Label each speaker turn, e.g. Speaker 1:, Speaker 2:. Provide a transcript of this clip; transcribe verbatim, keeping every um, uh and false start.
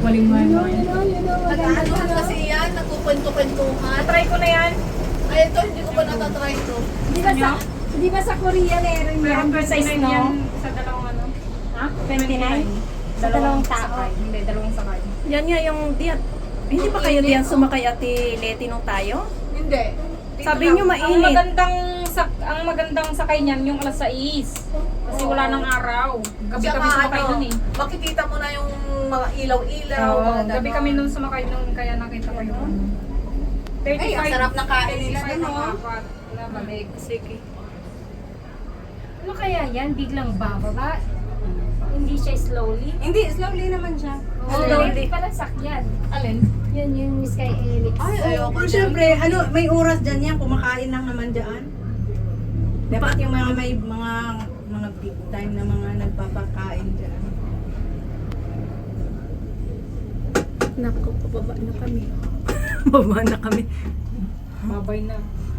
Speaker 1: Waling man.
Speaker 2: You know, you know, you know. Maganda
Speaker 3: Nag-ano
Speaker 2: to,
Speaker 3: kasi yan, nagkukwento-kwentuhan.
Speaker 1: Try ko na yan.
Speaker 3: Ay, ito, hindi ko pa natatry ito.
Speaker 2: Di ba sa, di ba sa Korea meron
Speaker 1: Pero
Speaker 2: yan?
Speaker 1: size
Speaker 2: Size,
Speaker 1: no?
Speaker 2: no?
Speaker 1: Sa dalawang ano? Ha?
Speaker 2: twenty-nine? Sa dalawang tao?
Speaker 1: sakay. Hindi, dalawang sakay.
Speaker 4: Yan nga yung diyan. Hindi ba kayo diyan sumakay Ate Leti nung tayo?
Speaker 3: Hindi. Dito
Speaker 4: Sabi
Speaker 3: lang.
Speaker 4: niyo
Speaker 1: Ang
Speaker 4: mainit.
Speaker 1: magandang sak ang magandang sakay niyan yung alas sais. Kasi wala nang araw. Gabi
Speaker 3: Tsaka
Speaker 1: kami sumakay
Speaker 3: ano,
Speaker 1: dun eh.
Speaker 3: makikita mo na yung mga ilaw-ilaw.
Speaker 1: Oo,
Speaker 3: mga
Speaker 1: gabi
Speaker 3: ganon.
Speaker 1: kami nung sumakay nung kaya nakita ko yung
Speaker 3: Ay, ang sarap ng kain nila
Speaker 1: thirty-five
Speaker 3: dun,
Speaker 1: ang
Speaker 3: oh.
Speaker 1: apat na balik.
Speaker 4: Sige.
Speaker 5: Ano kaya yan? Biglang bababa? Hindi siya slowly?
Speaker 2: Hindi, slowly naman siya.
Speaker 5: Oh,
Speaker 4: Slowly.
Speaker 5: pala sakyan.
Speaker 3: Alin?
Speaker 5: Yan yung Sky Helix.
Speaker 3: Ay, ayoko
Speaker 2: Pero
Speaker 3: dyan.
Speaker 2: syempre, ano, may oras dyan yan, kumakain lang naman dyan. Dapat yung mga may mga mga big time na mga nagpapakain dyan.
Speaker 4: Nako, pababa na kami. Baba na kami.
Speaker 1: Babay na.